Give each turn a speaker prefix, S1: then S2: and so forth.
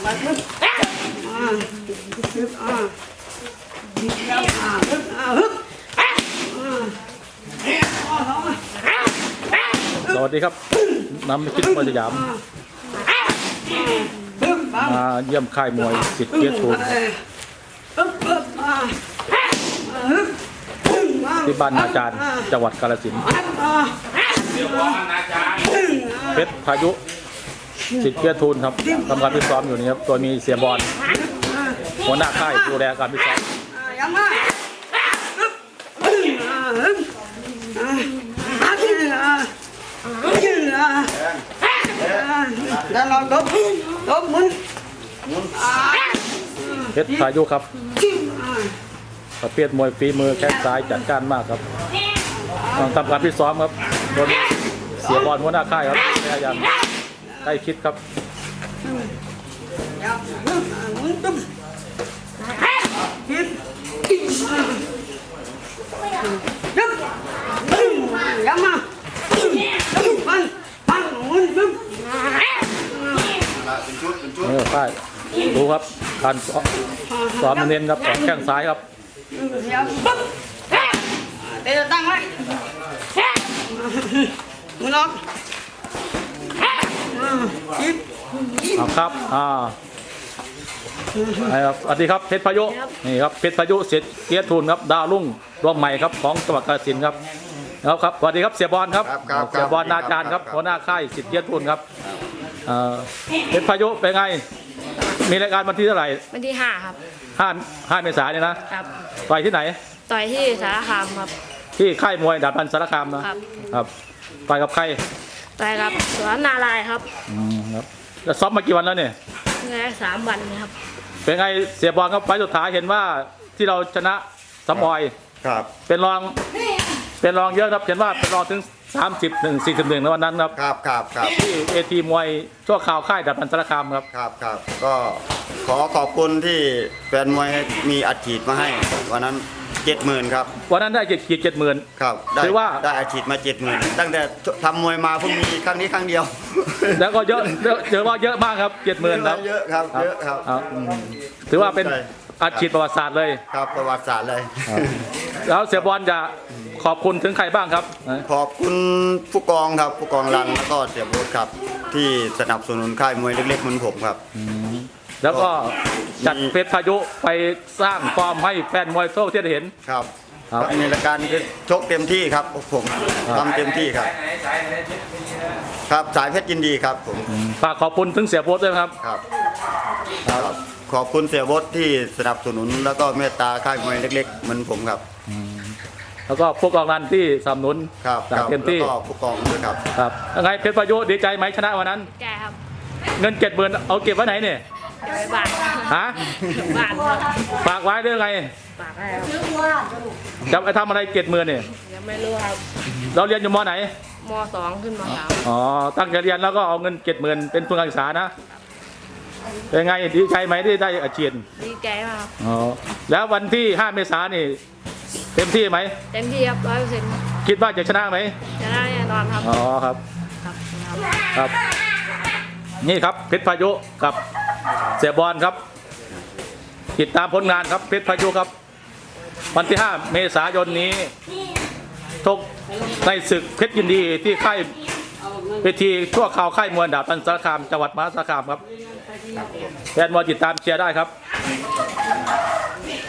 S1: สวัสดีครับน้ำคิดมวยสยามมาเยี่ยมค่ายมวยสิทธิ์เกียรติภูมิที่บ้านนาจารย์จังหวัดกาฬสินธุ์เพชรพายุสิทธิ์เกียรติภูมิครับทำการพิซ้อมอยู่นี่ครับตัวมีเสียบอลหัวหน้าค่ายดูแลการพิซ้อมเพชรพายุครับประเภทมวยฝีมือแข้งซ้ายจัดการมากครับทำการพิซ้อมครับโดนเสียบอลหัวหน้าค่ายครับพยายามใกล้คิดครับค่ายดูครับการซ้อมเน้นครับแข้งซ้ายครับ
S2: เดี๋ยวตั้งไว้มือล็อก
S1: ครับสวัสดีครับเพชรพายุนี่ครับเพชรพายุเสียเกียรติทูลครับดาวรุ่งดวงใหม่ครับของจังหวัดกาฬสินธุ์ครับครับสวัสดีครับเสียบอลครับเสียบอลนาจารย์ครับหัวหน้าค่ายสิทธิ์เกียรติทูลครับเพชรพายุเป็นไงมีรายการวันที่เท่าไหร่
S3: วันที่5ครับ
S1: 5 เมษายนนะครับต่อยที่ไหน
S3: ต่อยที่สารคามครับ
S1: ที่ค่ายมวยดาบพันสารคามนะครับต่อยกับใคร
S3: ต่อยกับสวนนารายครับ
S1: ครับแล้วซ้อมมากี่วันแล้วเนี่ย
S3: 3 วันนะครับ
S1: เป็นไงเสียบอลครับไฟสุดท้ายเห็นว่าที่เราชนะสมอย
S4: ครับ
S1: เป็นรองเยอะครับเห็นว่าเป็นรองถึง30-41ในวันนั้นครับ
S4: ครับ
S1: ที่เอทีมวยชั่วคราวค่ายดาบพันสารคามครับ
S4: ก็ขอบคุณที่แฟนมวยมีอัดฉีดมาให้วันนั้น 70,000 ครับ
S1: วันนั้นได้70,000
S4: ครับ
S1: ถือว่า
S4: ได้อัดฉีดมา 70,000ตั้งแต่ทำมวยมาเพิ่งมีครั้งนี้ครั้งเดียว
S1: แล้วก็เยอะว่าเยอะมากครับ 70,000ครับ
S4: เยอะครับ
S1: ถือว่าเป็นอัดฉีดประวัติศาสตร์เลย
S4: ครับประวัติศาสตร์เลย
S1: แล้วเสียบอลจะขอบคุณถึงใครบ้างครับ
S4: ขอบคุณผู้กองครับผู้กองรันแล้วก็เสียโบ๊ทครับที่สนับสนุนค่ายมวยเล็กๆเหมือนผมครับ
S1: แล้วก็จัดเพชรพายุไปสร้างฟอร์มให้แฟนมวยทั่วประเทศเห็น
S4: ครับในรายการชกเต็มที่ครับผมทำเต็มที่ครับสายเพชรยินดีครับผม
S1: ฝากขอบคุณถึงเสียโบ๊ทด้วยครับ
S4: ขอบคุณเสียโบ๊ทที่สนับสนุนแล้วก็เมตตาค่ายมวยเล็กๆเหมือนผมครับ
S1: แล้วก็ผู้กองรันที่สนับสนุนเต็มที่
S4: แล้วก็ผู้กองด้วยครับ
S1: ยังไงเพชรพายุดีใจไหมชนะวันนั้น
S3: ใช่ครับ
S1: เงิน70,000เอาเก็บไว้ไหนเนี่ย
S3: เก็บไว้บ้าน
S1: ฮะ
S3: บ้าน
S1: ฝากไว้ด้วยไง
S3: ฝากไว้ครับ
S1: จะไปทำอะไร70,000เนี่ย
S3: ยังไม่รู้ครับ
S1: เราเรียนอยู่ม.ไหน
S3: ม.2 ขึ้นม.3
S1: ตั้งใจเรียนแล้วก็เอาเงิน70,000เป็นทุนการศึกษานะเป็นไงดีใจไหมที่ได้อาชีพ
S3: ดีใจมาก
S1: แล้ววันที่5 เมษายนนี่เต็มที่ไหม
S3: เต็มที่ครับ100%
S1: คิดว่าจะชนะไหม
S3: ชนะแน่นอนครับ
S1: ครับนี่ครับเพชรพายุกับเสียบอลครับติดตามผลงานครับเพชรพายุครับวันที่5 เมษายนนี้ชกในศึกเพชรยินดีที่ค่ายเวทีชั่วคราวค่ายมวยดาบพันสารคามจังหวัดมหาสารคามครับแฟนมวยติดตามเชียร์ได้ครับ